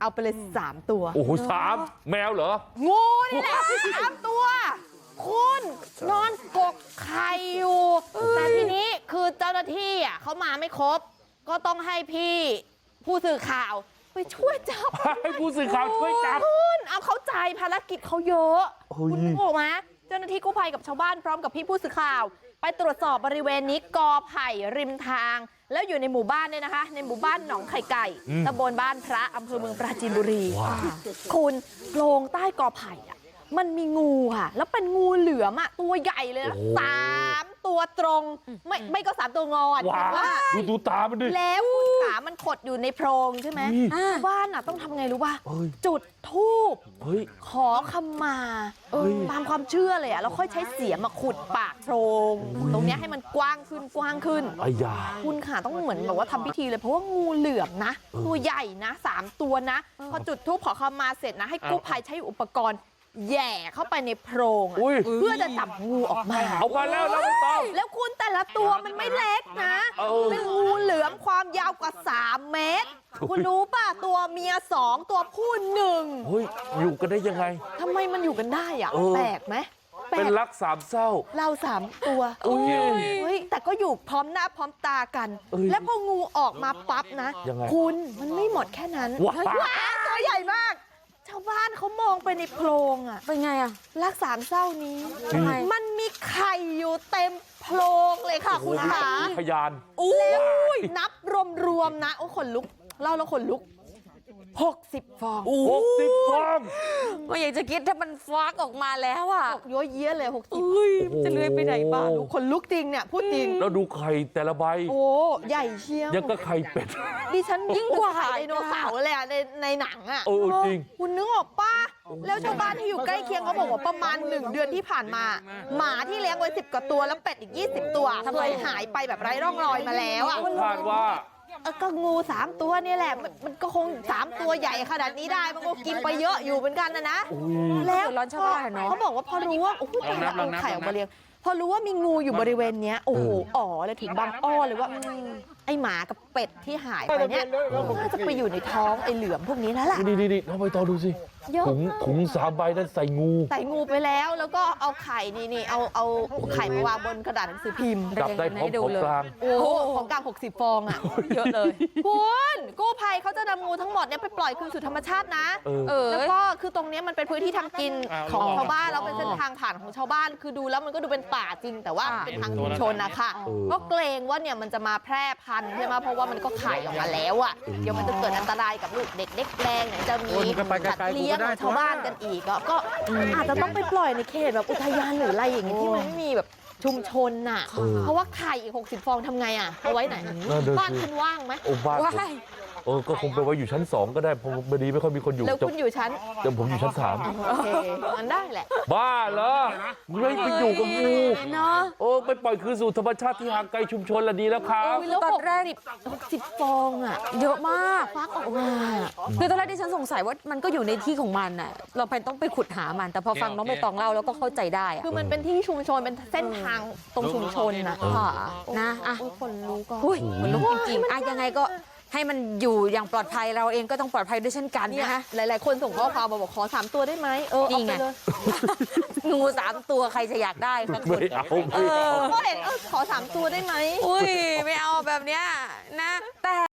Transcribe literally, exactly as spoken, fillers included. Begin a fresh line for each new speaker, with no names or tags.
เอาไปเลยสามตัว
โอ้โหสามแมวเหรอ
งูนี่แหละสามตัวคุณนอนกกไข่อยู่แต่ทีนี้คือเจ้าหน้าที่อ่ะเขามาไม่ครบก็ต้องให้พี่ผู้สื่อข่าวไปช่วยจับ
ให้ผู้สื่อข่าวช่วยจับ
คุณเอาเข้าใจภารกิจเขาเยอะคุณนึกออกไหมเจ้าหน้าที่กู้ภัยกับชาวบ้านพร้อมกับพี่ผู้สื่อข่าวไปตรวจสอบบริเวณนี้กอไผ่ริมทางแล้วอยู่ในหมู่บ้านเนี่ยนะคะในหมู่บ้านหนองไข่ไก่ตำบลบ้านพระอำเภอเมืองปราจีนบุรีคุณโพรงใต้กอไผ่อะมันมีงูค่ะแล้วเป็นงูเหลือมอะตัวใหญ่เลยนะสามตัวตรงไม่ไม่ก็สามตัวงอน
ว่าดูดูตามันดิ
แล้วคุณขามันขดอยู่ในโพรงใช่ไหมชาวบ้านอะต้องทำไงรู้ป่ะจุดธูปขอขมาตามความเชื่อเลยอะแล้วค่อยใช้เสียมมาขุดปากโพรงตรงนี้ให้มันกว้างขึ้นกว้างขึ้นคุณขาต้องเหมือนแบบว่าทำพิธีเลยเพราะว่างูเหลือมนะตัวใหญ่นะสามตัวนะพอจุดธูปขอขมาเสร็จนะให้กู้ภัยใช้อุปกรณ์แย่เข้าไปในโพรงเพื่อจะจับงูออกมา
เอามาแล้วแล้วไม่ต้อง
แล้วคุณแต่ละตัวมันไม่เล็กนะเป็นงูเหลือมความยาวกว่าสามเมตรคุณรู้ป่ะตัวเมียสองตัวผู้หนึ่ง
เฮ้ยอยู่กันได้ยังไง
ทำไมมันอยู่กันได้อ่ะแปลกไหม
เป็นรักสามเศร้า
เราสามตัวเฮ้ยแต่ก็อยู่พร้อมหน้าพร้อมตากันแล้วพองูออกมาปั๊บนะคุณมันไม่หมดแค่นั้นว้าวตัวใหญ่มากชาวบ้านเขามองไปในโพรงอ่ะ
เป็นไงอ่ะ
รักสามเศร้านี้มันมีไข่อยู่เต็มโพรงเลยค่ะคุณขา
พยาน
แล้วนับรวมๆนะโอ้ขนลุกเล่าแล้วขนลุกหกสิบฟอง
หกสิบฟอง
ไม่อยากจะคิดถ้ามันฟักออกมาแล้วอ่ะ
ย้อยเยี้ยเลยหกสิบ
จะเลื้อยไปไหนบ้าง
ขนลุกจริงเนี่ยพูดจริง
แล้วดูไข่แต่ละใบ
โอ้ใหญ่เชียว
ยังก็ไข่เป็ด
ดิฉันยิ่งกว่าไดโนเสาร์เลยอ่ะในในหนังอ่ะ
เออจริง
คุณนึกออกป่ะแล้วชาวบ้านที่อยู่ใกล้เคียงเขาบอกว่าประมาณหนึ่งเดือนที่ผ่านมาหมาที่เลี้ยงไว้สิบกว่าตัวแล้วเป็ดอีกยี่สิบตัวเคยหายไปแบบไร้ร่องรอยมาแล้วอ่ะ
คาดว่า
ก็งูสามตัวนี่แหละมันก็คงสามตัวใหญ่ขนาดนี้ได้มันก็กินไปเยอะอยู่เหมือนกันนะนะแล้วเขาบอกว่าพอรู้ว่าโอ้โหตายแล้วเอาไข่ออกมาเลี้ยงพอรู้ว่ามีงูอยู่บริเวณนี้โอ้โหอ๋อเลยถึงบางอ้อเลยว่าไอหมากับเป็ดที่หายไปเนี่ยน่าจะไปอยู่ในท้องไอเหลือมพวกนี้แล้วล่ะ
นี่นี่น้องใบตองดูสิถุงถุงสามใบนั้นใส่งู
ใส่งูไปแล้วแล้วก็เอาไข่นี่นี่เอาเอาไข่มาวางบนกระดาษหนังสือพิมพ์
จับได้พร้อมของกลาง
โอ้ของกลางหกสิบฟองอ่ะเยอะเลยคุณกู้ภัยเขาจะนำงูทั้งหมดเนี่ยไปปล่อยคืนสู่ธรรมชาตินะแล้วก็คือตรงนี้มันเป็นพื้นที่ทำกินของชาวบ้านแล้วเป็นเส้นทางผ่านของชาวบ้านคือดูแล้วมันก็ดูเป็นป่าจริงแต่ว่าเป็นทางชุมชนนะคะก็เกรงว่าเนี่ยมันจะมาแพร่พันธุ์ใช่ไหมเพราะว่ามันก็ไข่ออกมาแล้วอ่ะเดี๋ยวมันจะเกิดอันตรายกับลูกเด็กเล็กแดงเนี่ยจะมีสัตว์เลี้ยงของชาวบ้านกันอีกก็อาจจะต้องไปปล่อยในเขตแบบอุทยานหรืออะไรอย่างเงี้ยที่มันไม่มีแบบชุมชนน่ะเพราะว่าไข่อีกหกสิบฟองทำไงอ่ะเอาไว้ไหนบ้านคุณว่างไหม
ว่างเออก็คงไปไว้อยู่ชั้นสองก็ได้เพราะบดีไม่ค่อยมีคนอยู่
แล้วคุณอยู่ชั้น
เดี๋ยวผมอยู่ชั้นสาม
โอเคมันได้แหละ
บ้าเหรอไม่ไปอยู่กับงูเนาะโอ้ไปปล่อยคืนสู่ธรรมชาติที่ห่างไกลชุมชนละดีแล้วครับ
ตอนแรกหกสิบฟองอ่ะ
เยอะมาก
ฟักออกมา
คือตอนแรกที่ฉันสงสัยว่ามันก็อยู่ในที่ของมันน่ะเราไปต้องไปขุดหามันแต่พอฟังน้องใบตองเล่าแล้วก็เข้าใจได้
คือมันเป็นที่ชุมชนเป็นเส้นทางตรงชุมชนนะ
นะอ่ะ
คนรู้ก็
คนรู้จริงๆอ่ะยังไงก็ให้มันอยู่อย่างปลอดภัยเราเองก็ต้องปลอดภัยด้วยเช่นกันนะคะ
หลายๆคนส่งข้อความมาบอกขอสามตัวได้ไหมเออเอาไปเลย
งูสามตัวใครจะอยากได้สักคน
ไม่เอา
ก็เห็นเออขอสามตัวได้ไหม
อุ้ยไม่เอาแบบเนี้ยนะแต่